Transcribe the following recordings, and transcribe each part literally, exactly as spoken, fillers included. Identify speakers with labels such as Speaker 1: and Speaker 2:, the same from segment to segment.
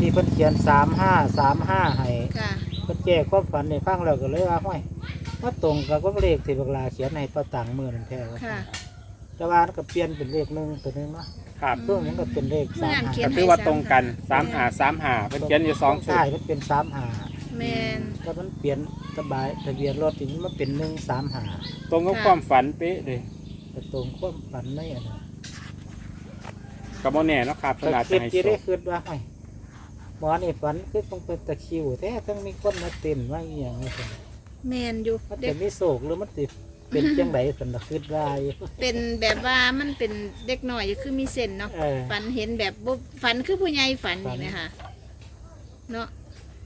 Speaker 1: นี้เพิ่นเขียนสามห้าสามห้าให้
Speaker 2: ค่ะ
Speaker 1: เพิ่นแก้ความฝันในฟังแล้วก็เลยว่าห้อยว่าตรงกับเลขที่บักลาเขียนให้ป้าตังมือนั่นแท้ว่า
Speaker 2: ค่ะ
Speaker 1: แต่ว่าก็เปลี่ยนเป็นเลขหนึ่งตัวนึงเนาะ
Speaker 3: ครับ
Speaker 1: เพิ่มมันก็เป็นเลขสาม
Speaker 2: เขีย
Speaker 1: ห้าน
Speaker 3: ก็คือว่าตรงกันสามหาสามหาเป็นเขียนอยู่สองชุด
Speaker 1: ใช่มันเป็นสามห้า
Speaker 2: แมน
Speaker 1: แล้วมันเปลี่ยนสบายทะเบียนรถถึงมันเป็นหนึ่งสามห้า
Speaker 3: ตรงกับความฝันเป๊ะเลย
Speaker 1: แต่ตรงความฝันไม่อะนะ
Speaker 3: กับโมแน่เนาะครับเพิ่
Speaker 1: แต่
Speaker 3: นอาจ
Speaker 1: คิ
Speaker 3: จะ
Speaker 1: ด
Speaker 3: ให้
Speaker 1: ที่
Speaker 3: โช
Speaker 1: ได้
Speaker 3: ค
Speaker 1: คืดว่าไอ้หมอนี่ฝันคือต้องเป็นตะคริวแท้ต้องมีคนมาเต้นว่าอหย่างนี้สิ
Speaker 2: แมนอยู่
Speaker 1: มัน
Speaker 2: เด็
Speaker 1: จะ
Speaker 2: ก
Speaker 1: มีโศกหรือมันสิเป็นจังไดสันตะคืดว่าอยู่
Speaker 2: เป็นแบบว่ามันเป็นเด็กหน่อยอยู่คือมีเส้นเนาะ
Speaker 1: เออ
Speaker 2: ฝันเห็นแบบบ่ฝันคือผู้ใหญ่ฝัน
Speaker 1: ฝัน
Speaker 2: นี่ไหมคะเนาะ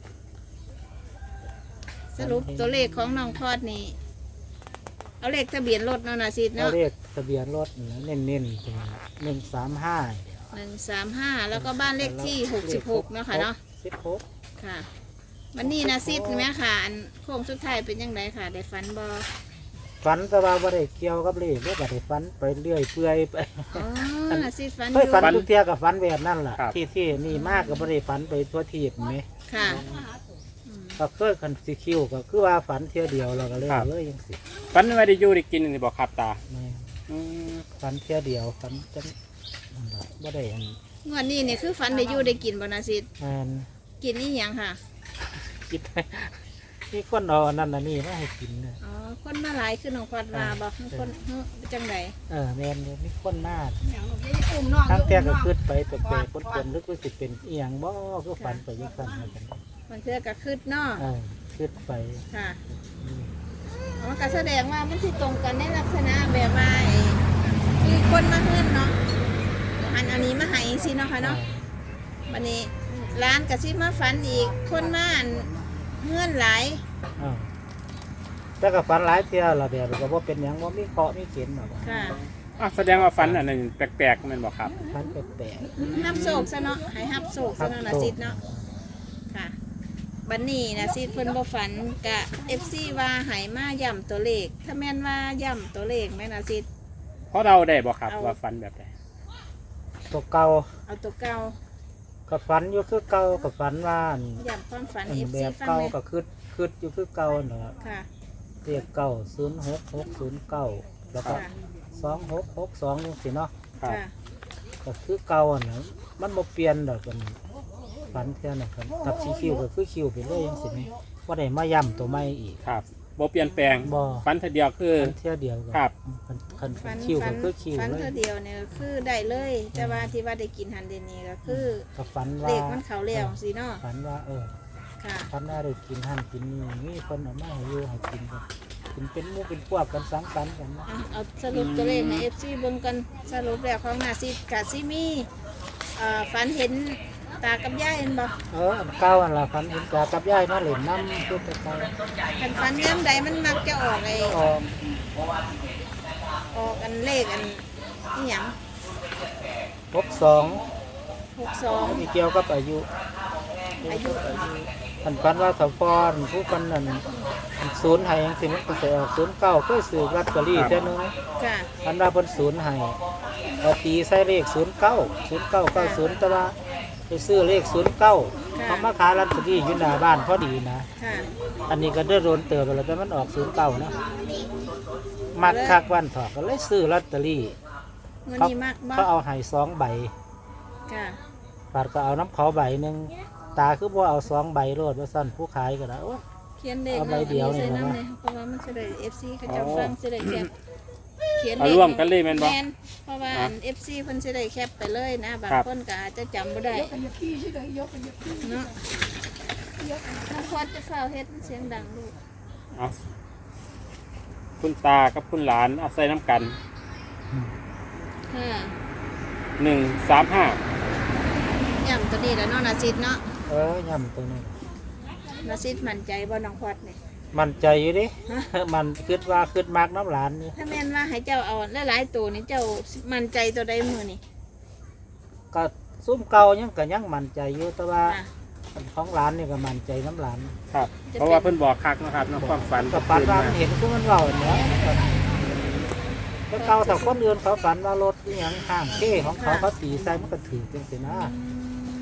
Speaker 2: สรุปตัวเลขของน้องพอดนี่เอาเลขทะเบียนรถเนาะนาซิด
Speaker 1: เอา
Speaker 2: เนาะ
Speaker 1: เลขทะเบียนรถเน้นเน้นๆเป็นหนึ่งสามห้า
Speaker 2: หนึ่งสามห้าแล้วก็บ้านเลขที่หกสิบหกเนาะค่ะเนาะ
Speaker 1: สิบหก
Speaker 2: ค่ะวันนี้นาซิดไหมค่ะอันโค้งสุดท้ายเป็นยังไงค่ะ ได้ฝันบอ
Speaker 1: ฝันแต่ว่าบ่ได้เกี่ยวกับเลขบ่ได้ฝันไปเรื่อยเปื่อยไป
Speaker 2: อ๋อนาซิดฝันอ
Speaker 1: เฮ้ย
Speaker 2: ยู่
Speaker 1: ฝันทุกเที่ยกับฝันแบบนั่นล่ะที่ที่นี่มากก็บ่ได้ฝันไปทั่วทีบไหม
Speaker 2: ค่ะ
Speaker 1: ก็เคยคันสิคิวก็คือว่าฝันเที่ยวเดียวเราก็เลยเลยยังสิ
Speaker 3: ฝันไม่ได้อยู่ได้กินนี่บอกครับตา
Speaker 1: แม่
Speaker 3: อืม
Speaker 1: ฝันเที่ยวเดียวฝันจังนั่นล่ะบ่ได้อัน
Speaker 2: งวดนี้เนี่ยคือฝันได้อยู่ได้กินบนาซิด
Speaker 1: อัน
Speaker 2: กินนี่ยังค่ะ
Speaker 1: คิดมีคนเอาอันนั้นอันนี้มาให้กินนะ
Speaker 2: อ๋อคนมาหลายคือน้องพอดมาบอกคนเฮ้อจังได
Speaker 1: เออแม่นอยู่มีคนมาทั้งแต่ก็คิดไปแปลกๆคนๆนึกว่าสิเป็นอีหยังบ่ก็ฝันไปจังซั่นเหมือนกัน
Speaker 2: มันเทื่อก็คืดเนาะ
Speaker 1: เออคิดไป
Speaker 2: ค่ะอ๋อก็แสดงว่ามันสิตรงกันในลักษณะแบบว่าไอ้ที่คนมาขึ้นเนาะอันอันนี้มาใหายสิเนาะค่ะเนาะวันนี้ร้านกระซิบมาฝันอีกคนมาอันเงื่อนหลาย
Speaker 1: เออแต่ก็ฝันหลายเที่ยวและแบบก็บ่เป็นหยังบ่มีเคราะห์มีเข็นหรอก
Speaker 2: ค่ะ
Speaker 3: อ่ะแสดงว่าฝันอันนั้นแปลกๆแมันบอกครับ
Speaker 1: ฝันแปลก
Speaker 2: ฮับโศกซะเนาะให้ฮับโศกซะเนาะนะซิดเนาะค่ะบันนี้นะซิดเพิ่นบ่ฝันกะ เอฟ ซี ว่าใหายมาย่ำตัวเลข ถ้าแม่นว่าย่ำตัวเลขไหมนะซิด
Speaker 3: เพราะเราได้บอกครับ
Speaker 2: เอา
Speaker 3: ว่าฝันแบบไหน
Speaker 1: ๆตัวเก่า
Speaker 2: เอาตัวเก่า
Speaker 1: ก็ฝันอยู่คือเก่าก็ฝันว่าอัน
Speaker 2: ย่ำความฝัน
Speaker 1: อัน
Speaker 2: เอฟ
Speaker 1: แบ
Speaker 2: ซี
Speaker 1: บ
Speaker 2: ฟัง
Speaker 1: เก่า
Speaker 2: เลย
Speaker 1: ก็คือคืออยู่คือเก่าเนาะ
Speaker 2: ค่ะ
Speaker 1: เรียกเก่าศูนย์หกหกศูนย์เก้าแล้วก็
Speaker 2: ค่ะ
Speaker 1: สองหกหกสองจังซี่เนาะ
Speaker 3: ครับ
Speaker 2: ค่ะ
Speaker 1: ก็คือเก่าอ่ะนะมันบ่เปลี่ยนดอกกันฝันเท่านั้นครับกับสีคิวก็คือคิวไปเลยจังซี่แหมบ่ได้มาย้ำตัวใหม่อีก
Speaker 3: ครับบ่เปลี่ยนแปลง
Speaker 1: บ่
Speaker 3: ฝันทีเดียวคือ
Speaker 1: ฝันเที่ยวเดียวก็
Speaker 3: ครับ
Speaker 1: คันคัน
Speaker 2: ฝัน
Speaker 1: คิว
Speaker 2: ฝั
Speaker 1: ก็
Speaker 2: น
Speaker 1: คือคิว
Speaker 2: ฝัน
Speaker 1: เล
Speaker 2: ตัวย เดียวเนี่ยคือได้เลย แต่ว่าที่ว่าได้กินหันเดยวนี่ก็คือ
Speaker 1: ก็ฝัน
Speaker 2: เล
Speaker 1: ว่า
Speaker 2: ขมันเขาเลี้ยวสิเนาะ
Speaker 1: ฝันว่าเออ
Speaker 2: ค่ะ
Speaker 1: ฝันว่าได้กินหั่นกินนี่มีคนเอามาให้อยู่ให้กินกันกินเป็นหมู่เป็นพวกกันสังสรรค์กันนะ
Speaker 2: อ่ะเอาสรุปตัวเลขใน เอฟ ซี เบิ่งกันสรุปแล้วของนาซิดกะซิมีเอ่อฝันเห็นตากับยายเห็นบ่
Speaker 1: เอออันเก่าอันละฝันเห็นตากับยายมาเล่นน้ำคือแต่เก่า
Speaker 2: คันฝันย่ำใดมันมักจะออกไอ้
Speaker 1: ออม
Speaker 2: ออกอันเลขอันนี่หยัง
Speaker 1: หกสอง
Speaker 2: หกสอง
Speaker 1: มีเกี่ยวกับอายุ
Speaker 2: อายุ
Speaker 1: อันฝันว่าสาวพรผู้คนนั้นศูนย์ให้ยังสิมันก็จะออกศูนย์เก้าก็ซื้อลอตเตอรี่เท่านึง
Speaker 2: ค่ะ
Speaker 1: อันว่าเพิ่นศูนย์ให้เอาตีใส่เลขศูนย์เก้าศูนย์เก้าเก้าศูนย์แต่ว่าไปซื้อเลขศูนย์เก้าเขามาขายลอตเตอรี่อยู่หน้าบ้านพอดีนะ
Speaker 2: ค่ะ
Speaker 1: อันนี้ก็ได้โดนเติบไปแล้วแต่มันออกศูนย์เก้านะมักคักวันถอกก็เลยซื้อลอตเตอรี่
Speaker 2: เงิน
Speaker 1: เขา
Speaker 2: นี้มากบ่
Speaker 1: เขาเอาให้สองใบ
Speaker 2: ค่ะ
Speaker 1: ปาดก็เอาน้ำเขาใบหนึ่งตาคือว่าเอาสองใบโลดว่าสั้นผู้ขายก็ได้โอ้ย
Speaker 2: เขียนเลข
Speaker 1: เอาใบเดียวนี่
Speaker 2: ใส่
Speaker 1: นะ
Speaker 2: น้ำเลยเพราะว่ามันจะได้ เอฟ ซี เขาจะฟังจะได้แคปเขียน
Speaker 3: เอา
Speaker 2: เลข
Speaker 3: ร่วมกันเลยแม่นบ่
Speaker 2: แม่นเพราะว่า
Speaker 3: อ่ะ
Speaker 2: เอฟซีเพิ่นจะได้แคปไปเลยนะบาง
Speaker 3: ครับ
Speaker 2: คนก็อาจจะจำบ่ได้เนาะน้องพอดจะเฝ้าเฮ็ดมันเสียงดังลูก
Speaker 3: เอาคุณตากับคุณหลานเอาใส่น้ำกัน
Speaker 2: ค่ะ
Speaker 3: หนึ่งสามห้า
Speaker 2: ย่ำตัวนี้แล้วเนาะนาซิดเนาะ
Speaker 1: เออย่ำตัวนี้
Speaker 2: นาซิดมั่นใจบ่น้องพอดนี่
Speaker 1: มันใจอยู่ดิ มันคิดว่าคิดมากน้ำหลานนี่
Speaker 2: ถ้าแม่นว่าให้เจ้าเอาหลายๆตัวนี่เจ้ามั่นใจตัวใดมือนี่
Speaker 1: ก็ซุ้มเก่ายังก็ยังมันใจอยู่แต่ว่า
Speaker 2: ค่ะ
Speaker 1: ของหลานนี่ก็มันใจน้ำหลาน
Speaker 3: ครับ เพราะว่าเพิ่นบอกคักนะครับเนาะความฝัน
Speaker 1: ก็ฝันว่ามันเห็นก็มันเล่าเนี้ยแล้วเก่าแต่คนอื่นเขาฝันว่ารถอหย่างข้างเท่ของเขาเขาตีใส่มันก็ถือจังสินะ
Speaker 2: อืม
Speaker 1: เป็น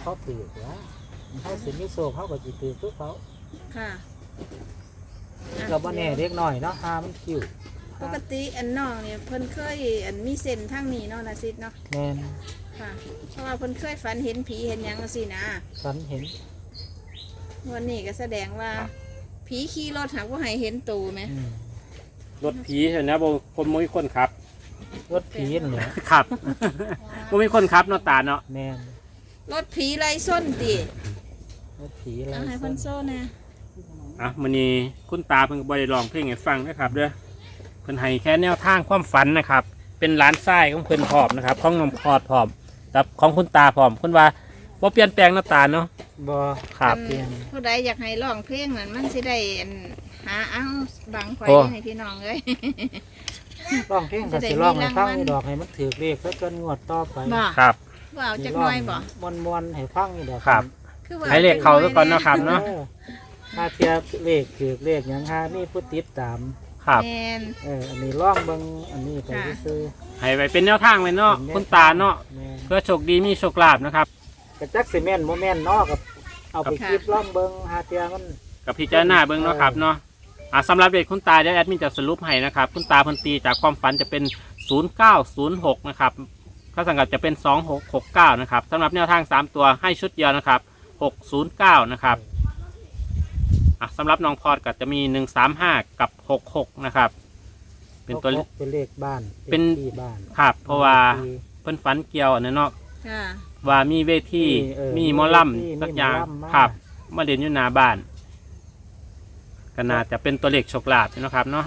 Speaker 1: เขาถือว่าเขาสิมีโซ่เขาก็จิถือทุกเขา
Speaker 2: ค่ะ
Speaker 1: เราบ่แน่เล็กน้อยเนาะหามันคิว
Speaker 2: ปกติอันน้องเนี่ยเพิ่นเคยอันมีเส้นทางนี้เนาะนะซิดเนาะ
Speaker 1: แม่น
Speaker 2: ค่ะเพราะว่าเพิ่นเคยฝันเห็นผีเห็นหยังจังซี่นะ
Speaker 1: ฉันเห็น
Speaker 2: วันนี้ก็แสดงว่าผีขี่รถหากว่าให้เห็นตูไหม
Speaker 1: อืม
Speaker 3: รถผีเห็นนะบ่คนบ่มีคนขับ
Speaker 1: รถผีนี่แหละ
Speaker 3: ครับ บ่มีคนขับเนาะตาเนาะ
Speaker 1: แม่น
Speaker 2: รถผีไล่ส้นติ
Speaker 1: รถผีอะไร
Speaker 2: เอาให้เพิ่นโซ่แน่
Speaker 3: อ่ะมื้อนี้คุณตาเพิ่นก็บ่ได้ร้องเพลงให้ฟังนะครับเด้อเพิ่นให้แค่แนวทางความฝันนะครับ เป็นร้านทรายของเพิ่นพร้อมนะครับของน้องคอดพร้อมกับของคุณตาพร้อมคุณว่าบ่เปลี่ยนแปลงเนาะตาเนาะ
Speaker 1: บ่
Speaker 3: ครับ
Speaker 1: เปลี่ยน
Speaker 2: ผู้ใดอยากให้ร้องเพลงนั้นมันสิได้อันหาเอาบังไฟ
Speaker 3: โอ้
Speaker 2: ให้พี่น้องเลย
Speaker 1: ร้องเพลงก็สิร้องให้ฟังนี่ดอกให้มันถือเลขแล้วจนงวดต่อไป
Speaker 2: บ่
Speaker 3: ครับ
Speaker 2: ว่าเอาจักหน่อยบ่
Speaker 1: มวนๆให้ฟังนี่ดอก
Speaker 3: ครับ
Speaker 2: คือว่า
Speaker 3: ให้เลขเขาซะก่อนเนาะครับเนาะ
Speaker 1: ออถ้าเทียบเลขถือเลขหยังหานี่ผู้ติดตาม
Speaker 3: ครับ
Speaker 2: แม่น
Speaker 1: เอออันนี้ร้องเบิ่งอันนี้ไป
Speaker 2: ค่ะ
Speaker 1: ซื้อ
Speaker 3: ให้ไว้เป็นแนวทางไว้เนาะ
Speaker 1: ๆ
Speaker 3: คุณตาเนาะ
Speaker 1: แม่น
Speaker 3: เพื่อโชคดีมีโชคลาภนะครับ
Speaker 1: กระจักสิแม่นบ่แม่นเนาะกับเอาไปคิดร้องเบิ่งหาเทียมัน
Speaker 3: กับพิจารณาเบิ่งเนาะครับเนาะอ่ะสำหรับเด็กคุณตาเดี๋ยวแอดมินจะสรุปให้นะครับคุณตาเพันตีจากความฝันจะเป็นศูนย์เก้าศูนย์หกนะครับข้าสังกัดจะเป็นสองหกหกเก้านะครับสำหรับแนวทางสามตัวให้ชุดเดียวนะครับหกศูนย์เก้านะครับอ่ะสำหรับน้องพอดก็จะมีหนึ่งสามห้ากับหกหกนะครับเป็นตัว
Speaker 1: หกเป็นเลขบ้าน
Speaker 3: เป็น
Speaker 1: ที่บ้าน
Speaker 3: ครับเพราะว่า
Speaker 1: ที่
Speaker 3: เพิ่นฝันเกี่ยวอันนั้นเนาะ
Speaker 2: ค่ะ
Speaker 3: ว่ามีเวที
Speaker 1: เออ
Speaker 3: มีหมอลำสักอย่าง
Speaker 1: มีหมอลำมา
Speaker 3: ครับมาเรียนอยู่หน้าบ้านก็น่าจะเป็นตัวเลขโชคลาภเนาะครับเนาะ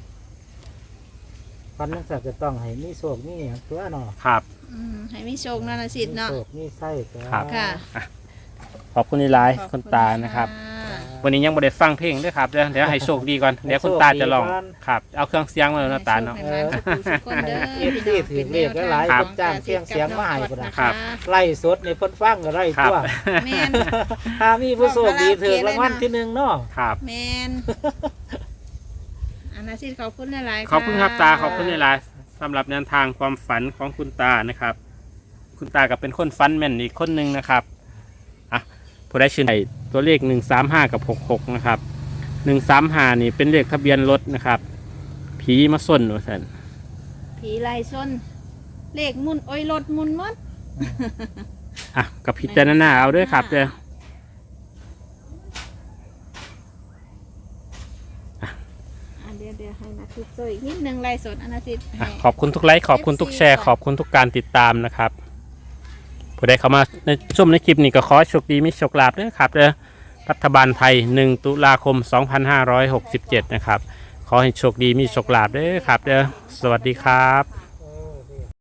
Speaker 1: พันนักสัตว์จะต้องให้มีโศกมีหยังตัวเนาะ
Speaker 3: ครับ
Speaker 2: อืมให้มีโชคเนาะนะซิด
Speaker 1: มี
Speaker 2: เนาะ
Speaker 1: โศกมีไส้ตัว
Speaker 3: ครับ
Speaker 2: ค่ะ
Speaker 3: ขอบคุณที่ไลฟ์
Speaker 2: ขอบ
Speaker 3: คุณตานะครับ
Speaker 2: ค่ะ
Speaker 3: วันนี้ยังไม่ได้ฟังเพลงด้วยครับเดี๋ยวเดี๋ยวให้โชคดีก่อนเดี๋ยวคุณตาจะลองครับ เอาเครื่องเสียงมาแล้วนะตาเนาะ
Speaker 2: ให้โชคให้มาทุกคนเด้อ
Speaker 1: เอฟซีถือเลขหลายๆ
Speaker 3: ครั
Speaker 1: ค
Speaker 3: บ
Speaker 1: นจ้างเสียงเสียงมาให้พุ่นน่ะ
Speaker 3: ครับ
Speaker 1: ไล่สดในเพิ่นฟังก็ไล่
Speaker 3: ครับ
Speaker 1: ตัว
Speaker 2: แม่น
Speaker 1: ถ้ามีผู้โชคดีถือรางวัลที่หนึ่งเนาะ
Speaker 3: ครับ
Speaker 2: แมนอันนาซิดขอบคุณหลายๆ
Speaker 3: ขอบคุณครับตาขอบคุณในไลฟ์สำหรับแนวทางความฝันของคุณตานะครับ คุณตาก็เป็นคนฟันแม่นอีกคนหนึ่งนะครับอ่ะผู้ได้ชื่อตัวเลขหนึ่งสามห้ากับหกหกนะครับหนึ่งสามห้านี่เป็นเลขทะเบียนรถนะครับ ผีมาส้นว่าสัน
Speaker 2: ผีไล่ส้นเลขมุนโอ้ยรถมุนหมด
Speaker 3: อ่ะกับพิจารณาเอาด้วยครับเด้อ
Speaker 2: อ่ะเดี๋ยวเดี๋ยวให้นาซิดโซอีกนิดนึงไล่สดอันนาซิด
Speaker 3: อ่ะ
Speaker 2: ให้
Speaker 3: ขอบคุณทุกไลค์ขอบคุณทุกแชร์ ขอบคุณทุกการติดตามนะครับผู้ใดเข้ามาในชมในคลิปนี้ก็ขอให้โชคดีมีโชคลาภด้วยครับเด้อรัฐบาลไทยหนึ่งตุลาคมสองพันห้าร้อยหกสิบเจ็ดนะครับขอให้โชคดีมีโชคลาภด้วยครับเด้อสวัสดีครับ